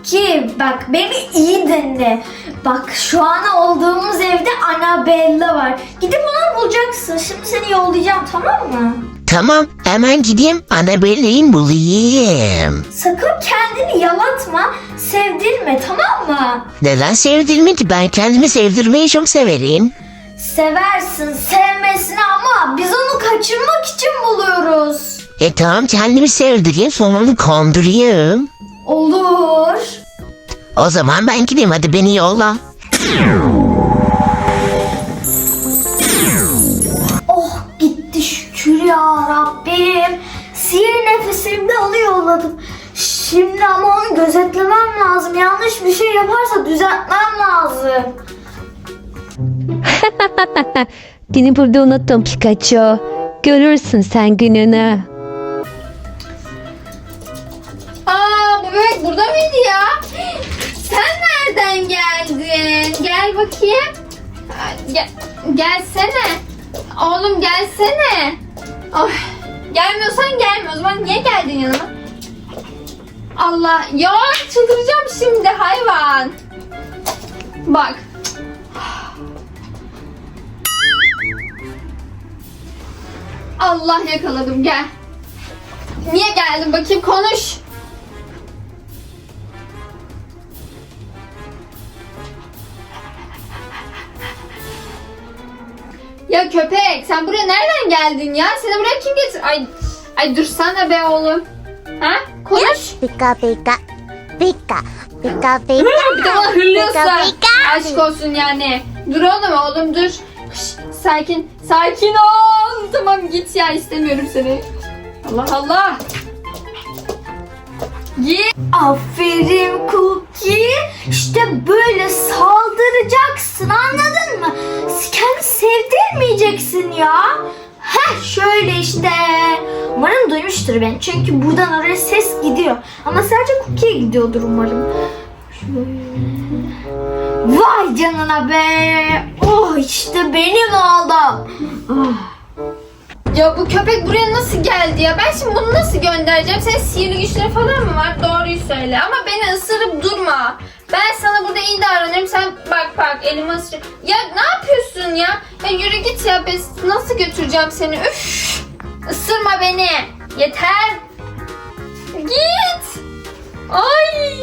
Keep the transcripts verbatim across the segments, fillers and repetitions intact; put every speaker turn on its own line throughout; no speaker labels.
Cookie bak beni iyi dinle. Bak şu an olduğumuz evde Annabella var. Gidip onu bulacaksın. Şimdi seni yollayacağım, tamam mı?
Tamam, hemen gideyim Annabelle'yi bulayım.
Sakın kendini yalatma. Sevdirme, tamam mı?
Neden sevdirmedi? Ben kendimi sevdirmeyi çok severim.
Seversin sevmesini ama biz onu kaçırmak için buluyoruz.
E tamam, kendimi sevdireyim, sonra onu kandırayım.
Olur.
O zaman ben gideyim, hadi beni yolla.
Oh gitti şükür ya Rabbim. Sihir nefesimde onu yolladım. Şimdi ama onu gözetlemem lazım. Yanlış bir şey yaparsa düzeltmem lazım.
Günü burada unuttum Pikachu. Görürsün sen gününü.
Aa, bu bebek burada mıydı ya? Sen nereden geldin? Gel bakayım. Aa, Gel, gelsene. Oğlum gelsene. Ay, gelmiyorsan gelme. O zaman niye geldin yanıma? Allah, ya çıldıracağım şimdi hayvan. Bak. Allah, yakaladım, gel. Niye geldin bakayım, konuş. Ya köpek, sen buraya nereden geldin ya? Seni buraya kim getir? Ay, ay dursana be oğlum. Ha? Konuş.
Pika pika pika pika pika.
Bir de bana hırlıyorsa.
Pika pika.
Aşk olsun yani. Dur oğlum, oğlum dur. Şş, sakin, sakin ol. Tamam git ya, istemiyorum seni. Allah Allah. Git.
Aferin Cookie. İşte böyle saldıracaksın, anladın mı? Kendini sevdirmeyeceksin ya. Heh şöyle işte. Umarım duymuştur beni. Çünkü buradan oraya ses gidiyor. Ama sadece Cookie'ye gidiyordur umarım. Şöyle. Vay canına be. Oh işte benim oğlum. Oh.
Ya bu köpek buraya nasıl geldi ya? Ben şimdi bunu nasıl göndereceğim? Senin sihirli güçleri falan mı var? Doğruyu söyle. Ama beni ısırıp durma. Ben sana burada iyi davranıyorum. Sen bak bak elimi ısırıyor. Ya ne yapıyorsun ya? Ya yürü git ya. Ben nasıl götüreceğim seni? Üf! Isırma beni. Yeter. Git. Ay.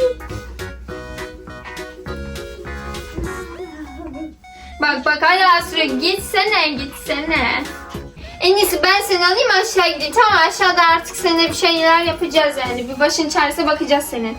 Bak bak hala ısırıyor. Gitsene gitsene. En iyisi ben seni alayım aşağı gideyim. Tamam, aşağıda artık seninle bir şeyler yapacağız yani. Bir başın çaresine bakacağız senin.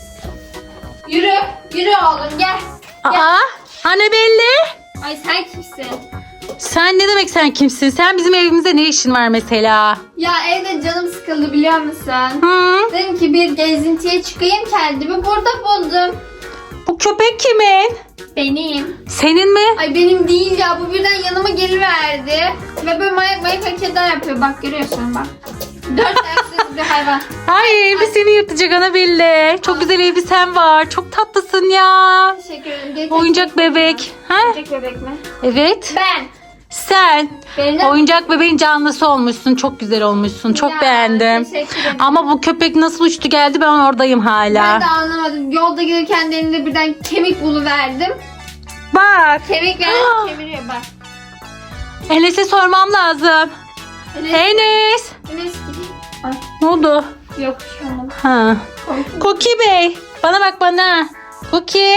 Yürü. Yürü oğlum gel.
Aa, Annabelle.
Ay sen kimsin?
Sen ne demek sen kimsin? Sen bizim evimizde ne işin var mesela?
Ya evde canım sıkıldı biliyor musun?
Hı?
Dedim ki bir gezintiye çıkayım, kendimi burada buldum.
Bu köpek kimin?
Benim.
Senin mi?
Ay benim değil ya, bu birden yanıma geliverdi. Ve böyle manyak manyak hareketler yapıyor. Bak görüyorsun bak. Dört ayaksız bir hayvan.
Ay elbise seni yırtacak Annabelle. Çok güzel elbisen var. Çok tatlısın ya.
Teşekkür ederim. Getir.
Oyuncak bebek. Ha?
Oyuncak bebek mi?
Evet.
Ben.
Sen.
Benim.
Oyuncak bebeğin canlısı olmuşsun. Çok güzel olmuşsun. Çok
Ya,
beğendim.
teşekkür ederim.
Ama bu köpek nasıl uçtu geldi, ben oradayım hala.
Ben de anlamadım. Yolda gelirken de elimde birden kemik buluverdim.
Bak.
Kemik
Ah.
verdim, kemiriyor bak.
Enes'e sormam lazım.
Enes,
Enes.
Enes gibi. Ay,
Ne oldu?
yok bir şey olmadı.
Ha.
Korktum.
Cookie Bey. Bana bak bana. Cookie.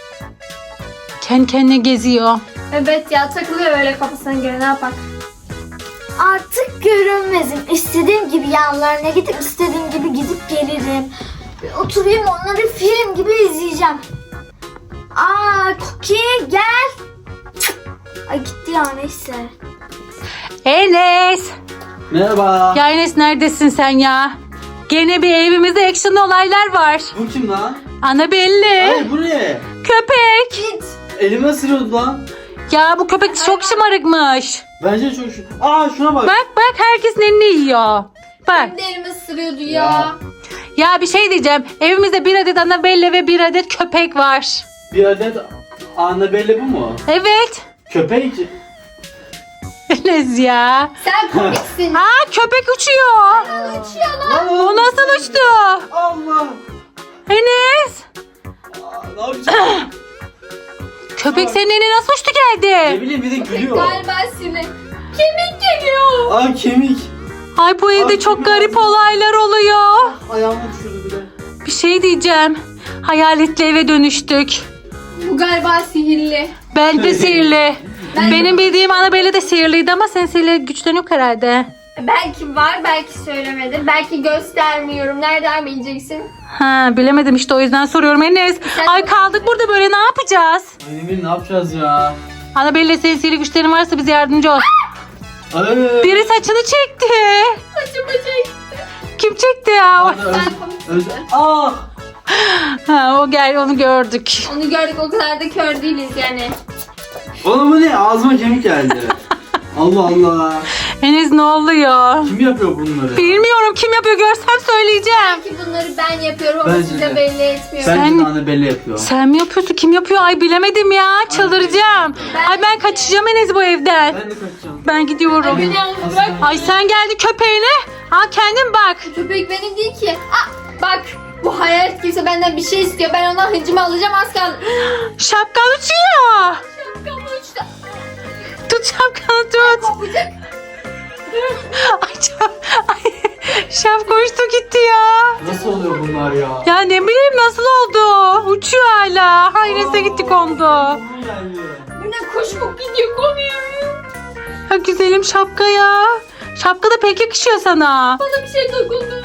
Kendi kendine geziyor.
Evet ya, takılıyor öyle kafasına göre, ne yapar?
Artık görünmezim. İstediğim gibi yanlarına gidip istediğim gibi gidip gelirim. Bir oturayım onları film gibi izleyeceğim. Aa Cookie gel. Cık. Ay gitti ya, neyse.
Enes.
Merhaba.
Ya Enes neredesin sen ya? Gene bir evimizde action olaylar var.
Bu kim lan?
Annabelle.
Ay bu ne?
Köpek.
Git.
Elime ısırıyordu lan.
Ya bu köpek çok şımarıkmış.
Bence çok şu. Aa şuna bak.
Bak bak herkesin elini yiyor. Bak.
Benim de elimi ısırıyordu ya.
Ya.
Ya bir şey diyeceğim. Evimizde bir adet Annabelle ve bir adet köpek var.
Bir adet Annabelle bu mu?
Evet.
Köpek.
Enes ya.
Sen komiksin.
Aa köpek uçuyor.
Uçuyor lan.
Lan
O nasıl uçtu?
Allah.
Enes. Köpek senin eline nasıl uçtu
Ne
geldi?
bileyim bir de gülüyor.
Galiba sihirli. Kemik geliyor.
Aa kemik.
Ay bu evde
Ay,
çok
kemik
garip
ağzı.
olaylar oluyor.
Ayağımı düşürdü bir de.
Bir şey diyeceğim. Hayaletli eve dönüştük.
Bu galiba sihirli.
Ben de sihirli.
Ben-
Benim bildiğim Annabelle de sihirliydi ama senin sihirli güçlerin yok herhalde.
Belki var, belki söylemedir. Belki göstermiyorum. Nereden bileceksin?
Ha bilemedim işte o yüzden soruyorum Enes.
Sen-
Ay kaldık burada böyle ne yapacağız?
Ay Emir ne yapacağız ya?
Annabelle senin sihirli güçlerin varsa bize yardımcı ol.
Ay.
Biri saçını çekti.
Saçımı çekti.
Kim çekti ya?
Hadi öz, öz, ah.
Ha, o gel onu gördük.
Onu gördük, o kadar da kör değiliz yani.
Oğlum bu ne? Ağzıma kemik geldi. Allah Allah.
Enes ne oluyor?
Kim yapıyor bunları?
Bilmiyorum kim yapıyor görsem söyleyeceğim.
Belki bunları ben yapıyorum ama
Bence
size
de.
belli etmiyorum.
Bence
Sen-
de Annabelle yapıyor.
Sen mi yapıyorsun? Kim yapıyor? Ay bilemedim ya. Çıldıracağım.
Ben-
Ay ben kaçacağım Enes bu evden.
Ben de kaçacağım.
Ben gidiyorum.
Beni yalnız bırak.
Ay sen geldi köpeğine. Ha kendin bak.
Köpek benim değil ki. Aa, bak bu hayalet kimse benden bir şey istiyor. Ben ona hıncımı alacağım, az kaldı.
Şapkan uçuyor.
Şapkamı uçtu.
Tut şapkanı tut.
Kopacak.
Ay, şap- ay, şapka uçtu gitti ya.
Nasıl oluyor bunlar ya?
Ya ne bileyim nasıl oldu? Uçuyor hala. Ha Enes'e gitti kondu.
Burnum geldi.
Bu ne koşup gidiyor, konuyor.
Ha güzelim şapka ya. Şapka da pek yakışıyor sana.
Bana bir şey dokundu.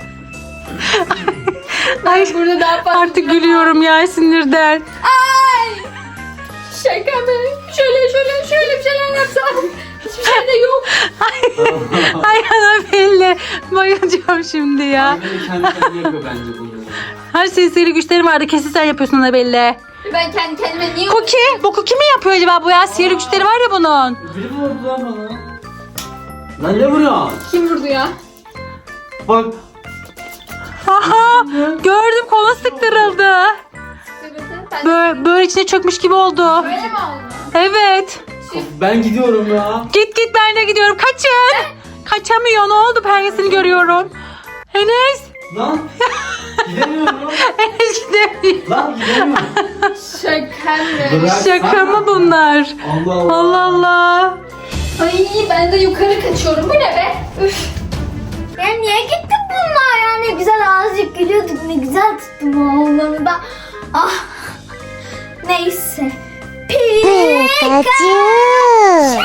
Ay
Burada daha fazla
artık gülüyorum ya sinirden.
Ay! Şaka mı? Şöyle şöyle şöyle bir şeyler yapsam. Hiçbir şey de yok.
Ay Annabelle bayılacağım şimdi ya.
Annabelle kendi kendine yapıyor bence bunları.
Her şeyin sihirli güçlerim vardı. Kesin sen yapıyorsun Annabelle.
Ben kendi kendime niye
Cookie, bu Cookie mi yapıyor acaba bu ya? Sihirli güçleri var ya bunun.
Biri mi vurdu lan bana? Lan ne vuruyorsun?
Kim vurdu ya?
Bak.
Aha, gördüm kolu sıktırıldı.
Ben
Böyle, böyle içine çökmüş gibi oldu.
Böyle mi oldu?
Evet.
Ben gidiyorum ya.
Git git ben de gidiyorum. Kaçın. Kaçamıyor. Ne oldu? Pengesini görüyorum. Enes.
Lan. Gidemiyorum.
Enes gidemiyor.
Lan gidemiyorum.
Şaka mı?
Bırak.
Şaka mı bunlar?
Allah Allah.
Allah Allah.
Ay ben de yukarı kaçıyorum. Bu ne be? Üf.
Ya niye gitti bunlar ya? Ne güzel azıcık gülüyorduk. Ne güzel tuttum oğlanı da. Ah. Neyse. Pikachu.
Pikachu.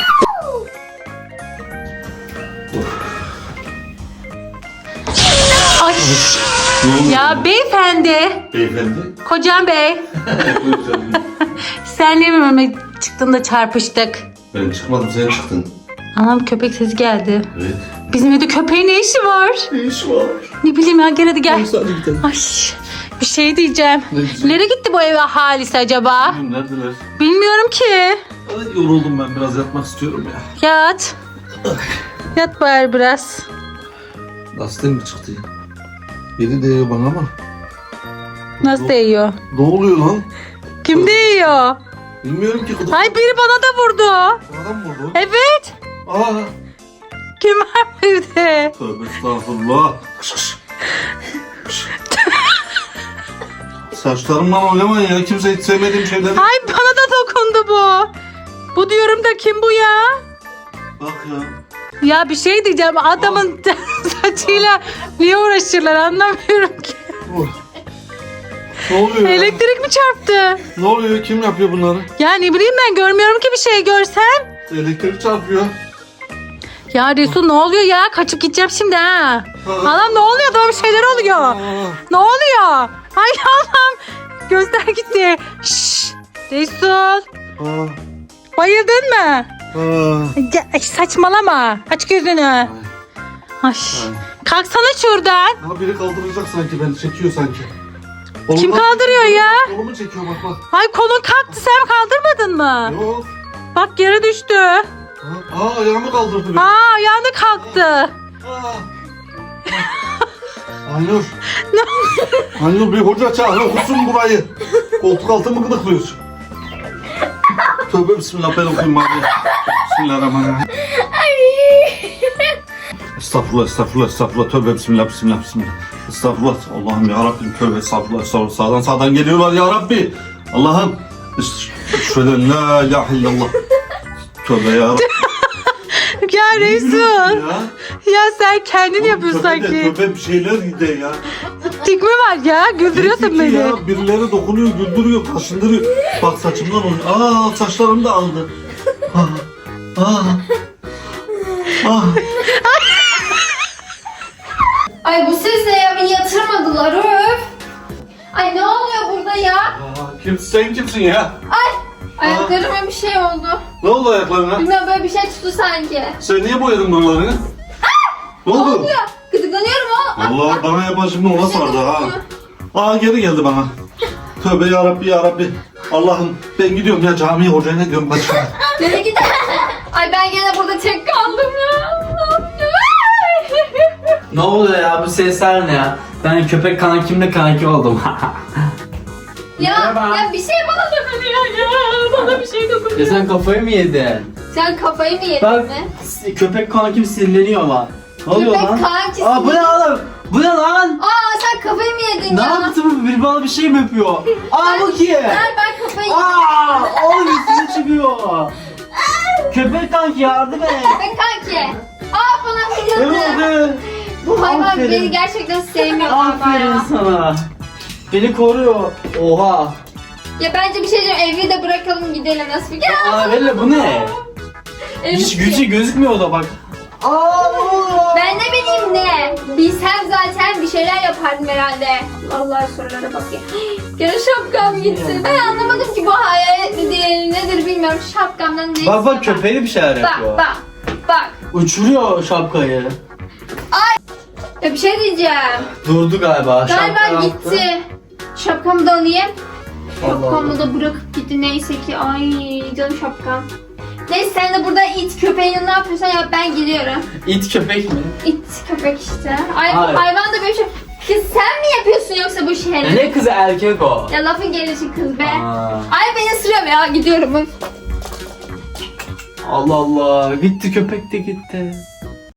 Ay. Ya beyefendi.
Beyefendi.
Kocam bey.
Buyur canım.
Senle mi önüme çıktın da çarpıştık?
Ben çıkmadım, sen çıktın.
Anam köpek sesi geldi.
Evet.
Bizim evde köpeğin ne işi var?
Ne iş var?
Ne bileyim ya gel hadi gel.
Neyse hadi gidelim.
Ay bir şey diyeceğim.
Ne diyeceğim?
Nereye gitti bu eve ahalisi acaba?
Bilmiyorum, neredeler?
Bilmiyorum ki.
Ay, yoruldum ben, biraz yatmak istiyorum ya.
Yat. Yat bari biraz.
Lastiğim mi çıktı ya? Biri değiyor bana ama.
Nasıl değiyor?
Ne oluyor lan?
Kim değiyor?
Bilmiyorum ki. Kıdık.
Ay biri bana da vurdu.
Adam mı vurdu?
Evet.
Aa.
Kim var bu evde?
Tövbe estağfurullah. Saçlarımla oynamayın ya. Kimse hiç sevmediğim şeyler.
Ay bana da dokundu bu. Bu diyorum da kim bu ya?
Bak ya.
Ya bir şey diyeceğim adamın saçıyla niye uğraşırlar anlamıyorum ki.
Oh. Ne oluyor ya?
Elektrik mi çarptı?
Ne oluyor? Kim yapıyor bunları?
Ya ne bileyim ben görmüyorum ki bir şey görsem.
Elektrik çarpıyor.
Ya Resul ne oluyor ya? Kaçıp gideceğim şimdi ha. Anam ne oluyor? Daha bir şeyler oluyor.
Aa.
Ne oluyor? Ay Allah'ım. Gözler gitti. Şşş. Resul.
Aa.
Bayıldın mı?
Aa.
Ya, ay, saçmalama. Aç gözünü. Ay. Kalksana şuradan.
Ha biri kaldıracak sanki, beni çekiyor sanki.
Kim
Kolumdan-
kaldırıyor ya?
Kolumu çekiyor bak bak.
Ay kolun kalktı sen kaldırmadın mı?
Yok.
Bak yere düştü.
Ha, aa ayağımı kaldırdı beni.
Aa ayağını kalktı.
Aa. Aynur. Aynur bir hoca çağır okusun burayı. Koltuk altımı gıdıklıyorsun. Tövbe bismillah, ben okuyayım abi. Bismillahirrahmanirrahim. Estağfurullah, estağfurullah, estağfurullah. Tövbe bismillah, bismillah, bismillah. Estağfurullah. Allah'ım ya Rabbim, tövbe estağfurullah, estağfurullah. Sağdan sağdan geliyorlar ya Rabbi. Allah'ım. Şöyle la ilahe illallah. Tövbe ya.
Ya Resul.
Ya.
Ya sen kendin yapıyorsun sanki.
Tövbe bir şeyler gidiyor ya.
Tik mi var ya? Güldürüyorsun
Peki
beni.
ya, birileri dokunuyor, güldürüyor, kaşındırıyor. Bak saçımdan oluyor. Aa saçlarım da aldı. Ah, ah, ah.
Ay bu ses ne ya? Beni yatırmadılar öf. Ay ne oluyor burada ya?
Aa, kim, sen kimsin ya?
Ay ayaklarıma bir şey oldu.
Ne oldu ayaklarına?
Bilmem böyle bir şey tuttu sanki.
Sen niye boyadın buralarını? Ne
Ne
oldu?
oluyor? Gıdıklanıyorum oğlum.
Allah bana yapan şimdi ona
Bir şey
sardı ha.
dokunuyor.
Aa geri geldi bana. Tövbe yarabbi yarabbi. Allah'ım ben gidiyorum ya camiye hocaya ne diyorum başına.
Nereye gidiyorsun? Ay ben gene burada tek kaldım ya. Ne yapacağım?
Ne oluyor ya bu sesler ne ya? Ben köpek kankimle kanki oldum.
Ya,
Merhaba.
ya bir şey bana dokunuyor ya. Bana bir şey
ya
dokunuyor.
sen kafayı mı yedin?
Sen kafayı mı yedin
Bak
mi?
s- köpek kankim sinirleniyor ama. Ne oluyor
Köpek
lan?
kankisi.
Aa bu ne oğlum? Bu ne lan?
Aa sen kafayı mı yedin
Ne
ya?
yaptı bu? Bir bana bir şey mi yapıyor? Aa bu ki?
Ben, ben kafayı yedim.
Aa oğlum üstüne çıkıyor. Köpek kanki yardım et.
Köpek kanki. Aa bana
Ne
kırıldı.
oldu?
Bu hayvan
Aferin.
beni gerçekten sevmiyor galiba
Aferin
ya.
sana. Beni koruyor. Oha.
Ya bence bir şey diyeceğim. Evi de bırakalım gidelim nasıl fikir?
Aa Bella bu ne? Hiç gücü gözükmüyor da bak. Aa ne oluyor?
Ben ne bileyim ne? Bilsem zaten bir şeyler yapardım herhalde. Vallahi sorulara bak ya. Gene şapkam gitti. Ben anlamadım ki bu hayalet mi değil nedir bilmiyorum. Şapkamdan ne
Bak bak
istiyor?
köpeği bir şeyler
Bak
yapıyor.
bak bak.
Uçuruyor şapkayı.
Ya bir şey diyeceğim.
Durdu galiba.
Galiba
Şapka
gitti. Şapkamı da alayım.
Allah
Şapkamı
Allah.
da bırakıp gitti neyse ki. Ay canım şapkam. Neyse sen de burada it köpeğini ne yapıyorsan yap ben gidiyorum.
İt köpek mi?
İt köpek işte. Ay
Hayır.
bu hayvan da böyle şey. Kız sen mi yapıyorsun yoksa bu şeyleri?
Ya ne kızı erkek o?
Ya lafın gelişi kız be.
Aa,
Ay beni ısırıyor ya gidiyorum.
Allah Allah gitti köpek de gitti.